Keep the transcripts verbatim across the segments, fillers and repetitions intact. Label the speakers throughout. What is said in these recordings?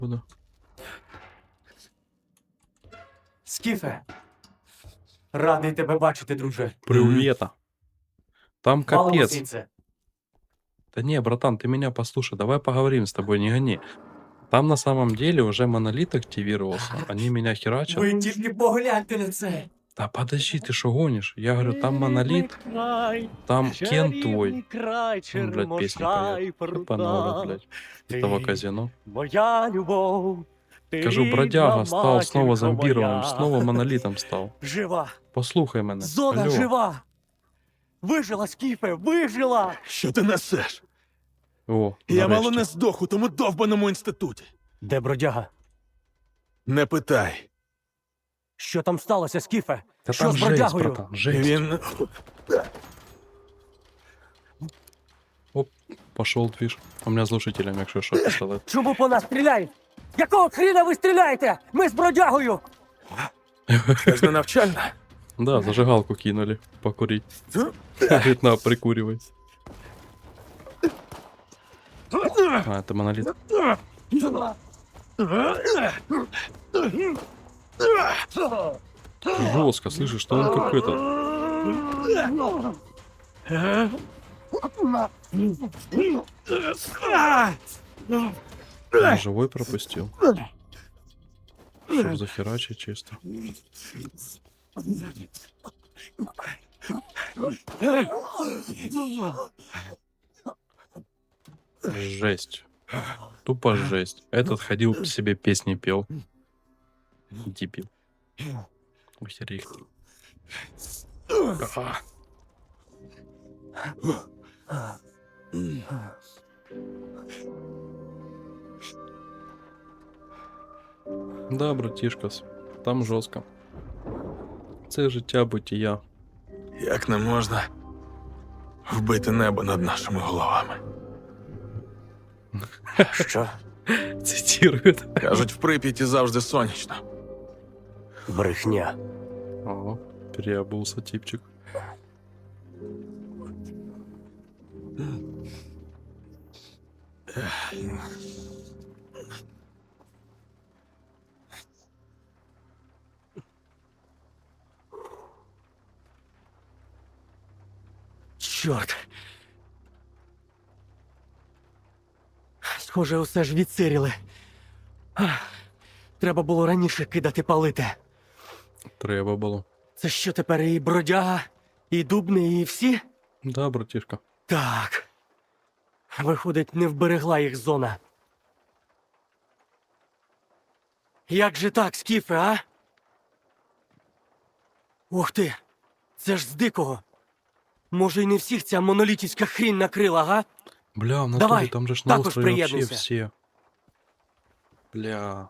Speaker 1: Буду.
Speaker 2: Скіфе, радий тебе бачити, друже.
Speaker 1: Привета. Там
Speaker 2: Валимо
Speaker 1: капец.
Speaker 2: звідси.
Speaker 1: Да не, братан, ты меня послушай, давай поговорим с тобой, не гони. Там на самом деле уже монолит активировался, они меня херачат.
Speaker 2: Ви тільки погляньте на це.
Speaker 1: Да подожди, ты что гонишь? Я говорю, там монолит, там Кен твой. Он, блядь, песни поет. Ёбаный, блядь, этого казино.
Speaker 2: Моя любов. ти
Speaker 1: Кажу,
Speaker 2: рідна
Speaker 1: бродяга стал снова
Speaker 2: матінко
Speaker 1: зомбированным,
Speaker 2: моя.
Speaker 1: снова монолитом стал.
Speaker 2: Жива.
Speaker 1: Послухай мене.
Speaker 2: Зона
Speaker 1: Алло.
Speaker 2: жива. Вижила, Скіфе, вижила.
Speaker 3: Що ти несеш?
Speaker 1: О,
Speaker 3: Я мало
Speaker 1: нарешті.
Speaker 3: не здох у тому довбаному інституті.
Speaker 2: Де бродяга?
Speaker 3: Не питай.
Speaker 2: Що там сталося, Скіфе?
Speaker 1: Та
Speaker 2: Що
Speaker 1: там
Speaker 2: з
Speaker 1: жесть,
Speaker 2: бродягою?
Speaker 1: братан, жесть.
Speaker 3: Він.
Speaker 1: Пошел движ. У меня слушателям, якщо що, пістолет.
Speaker 2: Чому по нас стріляють? Якого хріна ви стріляєте? Ми з бродягою.
Speaker 3: Це ж не навчальна.
Speaker 1: Да, зажигалку кинули покурить. Говорит, на, прикуривай. А, это монолит. Жестко, слышишь, что он как этот. Он живой пропустил. Чтоб захерачить чисто. Жесть. Тупо жесть. Этот ходил себе песни пел. Дебил. Охереть. А. Да, братишкас, там жорстко. Це життя бытия.
Speaker 3: Як не можна вбити небо над нашими головами?
Speaker 2: Що?
Speaker 1: Цитирует.
Speaker 3: Кажуть, в Прип'яті завжди сонячно.
Speaker 2: Брехня.
Speaker 1: О, переобулся типчик.
Speaker 2: Чорт. Схоже, усе ж відсиріли. Ах, треба було раніше кидати палити.
Speaker 1: Треба було.
Speaker 2: Це що тепер і бродяга, і дубний, і всі?
Speaker 1: Да, братишка.
Speaker 2: Так. Виходить, не вберегла їх зона. Як же так, Скіфе, а? Ух ти! Це ж з дикого. Може, й не всіх ця монолітівська хрінь накрила, га?
Speaker 1: Бля, в натуре
Speaker 2: Давай,
Speaker 1: там же ж на
Speaker 2: також
Speaker 1: острове вообще
Speaker 2: приєднуйся.
Speaker 1: все. Бля.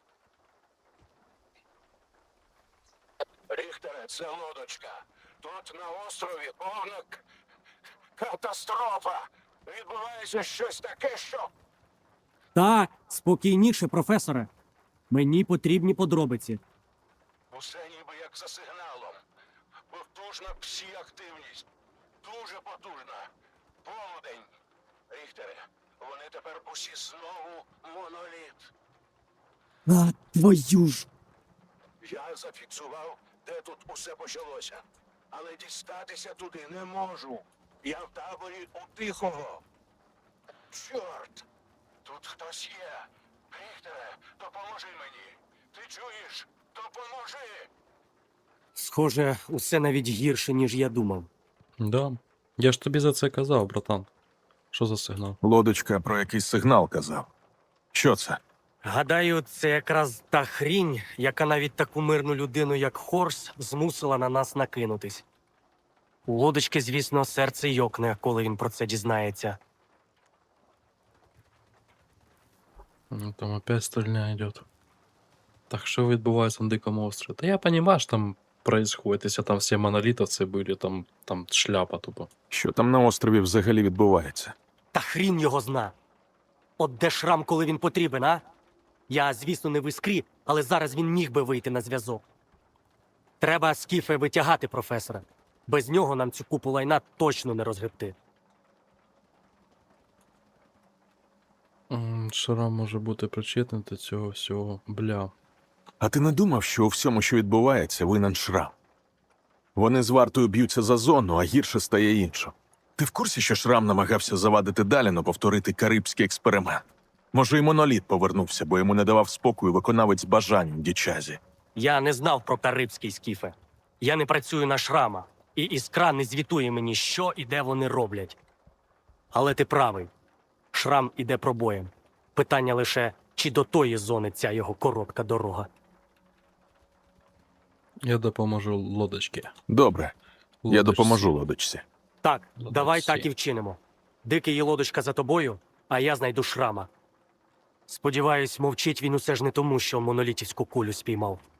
Speaker 4: Ріхтере, це лодочка. Тут на острові повна к- катастрофа. Відбувається щось таке, що...
Speaker 5: Так, спокійніше, професоре. Мені потрібні подробиці.
Speaker 4: Усе ніби як за сигналом. Потужна псі-активність. Дуже потужна. Полудень. Ріхтере, вони тепер усі знову моноліт.
Speaker 5: А, твою ж.
Speaker 4: Я зафіксував, де тут усе почалося. Але дістатися туди не можу. Я в таборі у Тихого. Чорт! Тут хтось є. Ріхтере, допоможи мені. Ти чуєш? Допоможи!
Speaker 2: Схоже, усе навіть гірше, ніж я думав.
Speaker 1: Да. Я ж тобі за це казав, братан. Що за сигнал?
Speaker 3: Лодочка про якийсь сигнал казав. Що це?
Speaker 2: Гадаю, це якраз та хрінь, яка навіть таку мирну людину, як Хорс, змусила на нас накинутись. У лодочки, звісно, серце йокне, коли він про це дізнається.
Speaker 1: Ну, там опять стрільня идет. Так що відбувається на Дикому острові? Та я понимаю, що там происходит, якщо там всі монолітовці були, там, там шляпа тупо.
Speaker 3: Що там на острові взагалі відбувається?
Speaker 2: Та хрінь його зна. От де шрам, коли він потрібен, а? Я, звісно, не в іскрі, але зараз він міг би вийти на зв'язок. Треба Скіфе витягати професора. Без нього нам цю купу лайна точно не розгребти.
Speaker 1: М, Шрам може бути причетним до цього всього. Бля.
Speaker 3: А ти не думав, що у всьому, що відбувається, винен Шрам? Вони з вартою б'ються за зону, а гірше стає іншим. Ти в курсі, що Шрам намагався завадити Даліну повторити карибський експеримент? Може, і моноліт повернувся, бо йому не давав спокою виконавець бажань у Дічазі.
Speaker 2: Я не знав про карибський скіфе. Я не працюю на шрама, і іскра не звітує мені, що і де вони роблять. Але ти правий. Шрам іде пробоєм. Питання лише, чи до тої зони ця його коротка дорога.
Speaker 1: Я допоможу лодочки.
Speaker 3: Добре, я
Speaker 1: Лодочці.
Speaker 3: допоможу лодочці.
Speaker 2: Так,
Speaker 1: Лодочці.
Speaker 2: давай так і вчинимо. Дикий і лодочка за тобою, а я знайду шрама. Сподіваюсь, мовчить він усе ж не тому, що монолітівську кулю спіймав.